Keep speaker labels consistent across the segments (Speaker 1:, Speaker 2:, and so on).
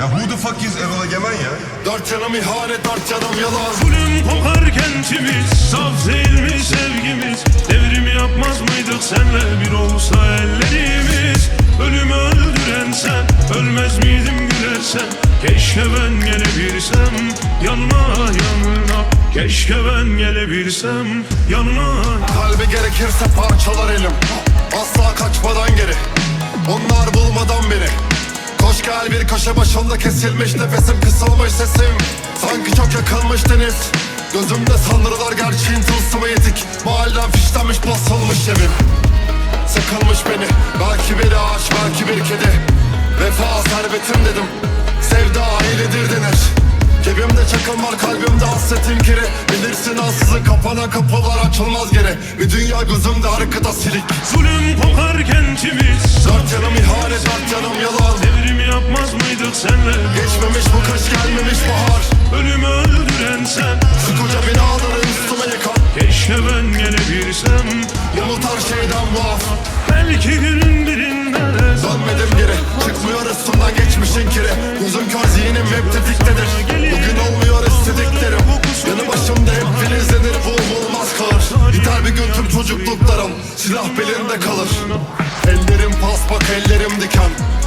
Speaker 1: Ya who the fuck is Erol Egemen ya?
Speaker 2: Dört yanım ihanet, dört yanım yalan.
Speaker 3: Zulüm kokar kentimiz, saf değil mi sevgimiz? Devrimi yapmaz mıydık senle bir olsa ellerimiz? Ölümü öldüren sen, ölmez miydim gülersen? Keşke ben gelebilsem yanına yanına. Keşke ben gelebilsem yanına.
Speaker 2: Kalbi gerekirse parçalar elim, asla kaçmadan geri. Onlar bulmadan beni. Koş gel, bir köşe başında kesilmiş nefesim, kısılmış sesim. Sanki çok yakılmış deniz. Gözümde sanrılar gerçeğin tılsımı yedik. Mahallem fişlenmiş, basılmış evim. Sıkılmış beni, belki bir ağaç, belki bir kedi. Vefa servetim dedim, sevda ailedir denir. Cebimde çakıl var, kalbimde hasretin kiri. Bilirsin ansızın kapanan kapılar açılmaz geri. Bir dünya gözümde arkada silik.
Speaker 3: Zulüm kokar kentimiz,
Speaker 2: Dört yanım ihanet, dört yanım yalan.
Speaker 3: devrimi yapmaz mıydık senle?
Speaker 2: Geçmemiş bu kış, gelmemiş bahar.
Speaker 3: Ölümü öldüren sen,
Speaker 2: Şu koca binaları üstüme yıkan.
Speaker 3: keşke ben gelebilsem.
Speaker 2: Umut her şeyden muaf.
Speaker 3: Belki günün birinde
Speaker 2: Dönmedim geri, çıkmıyor üstümden geçmişin kiri. Gözüm kör, zihnim hep tetiktedir. Bugün olmuyor istediklerim. Yanı başımda hep filizlenir, bu olmaz kalır. Biter bir gün tüm çocukluklarım, silah belinde kalır. Ellerim paspak, ellerim diken.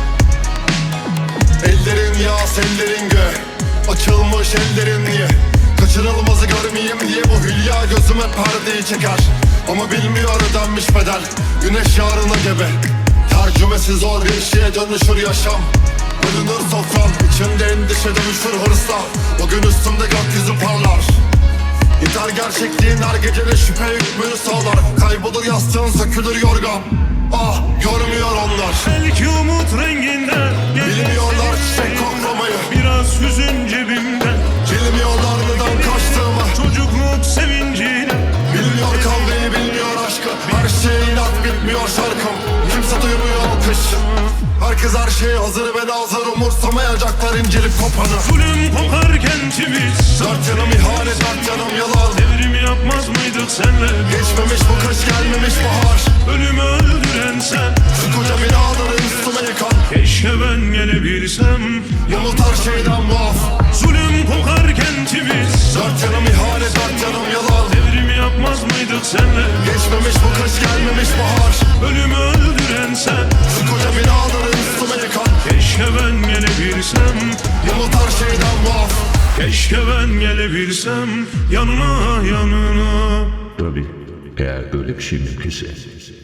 Speaker 2: Ellerin yağ, ellerin gö. Açılmış ellerin niye? Kaçırılmazı görmeyeyim diye bu hülya gözüme perdeyi çeker. Ama bilmiyor ödenmiş bedel. Güneş yarına gebe. Tercümesi zor bir şeye dönüşür yaşam. Bölünür sofram, içimde endişe dönüşür hırsla. Bugün üstümde gökyüzü parlar. Gider gerçekliğin her gecede şüphe hükmünü sağlar. Kaybolur yastığın, sökülür yorgan. Ah, görmüyor onlar.
Speaker 3: belki umut renginden
Speaker 2: Bilmiyorlar çiçek koklamayı.
Speaker 3: biraz hüzün cebimden.
Speaker 2: Bilmiyorlar neden kaçtığımı.
Speaker 3: Çocukluk sevinciyle
Speaker 2: Bilmiyor kavgayı, bilmiyor aşkı. Her şey inat, bitmiyor şarkım. Kimse duymuyor alkış. Herkes her şeye hazır ve nazır. Umursamayacaklar incelip kopanı.
Speaker 3: zulüm kokar kentimiz,
Speaker 2: Dört yanım ihanet, dört yanım yalan.
Speaker 3: devrimi yapmaz mıydık senle?
Speaker 2: Geçmemiş bu kış, gelmemiş bahar.
Speaker 3: Ölümü öldüren sen,
Speaker 2: Şu koca binaları üstüme yıkan.
Speaker 3: keşke ben gelebilsem.
Speaker 2: Umut her şeyden muaf.
Speaker 3: Zulüm kokar kentimiz,
Speaker 2: Dört yanım ihanet, dört yanım yalan.
Speaker 3: devrimi yapmaz mıydık senle?
Speaker 2: Geçmemiş bu kış, gelmemiş bahar.
Speaker 3: Ölümü öldüren sen,
Speaker 2: Şu koca binaları üstüme yıkan.
Speaker 3: keşke ben gelebilsem.
Speaker 2: Umut her şeyden muaf.
Speaker 3: Keşke ben gelebilsem yanına yanına.
Speaker 4: Tabii eğer böyle bir şey mümkünse.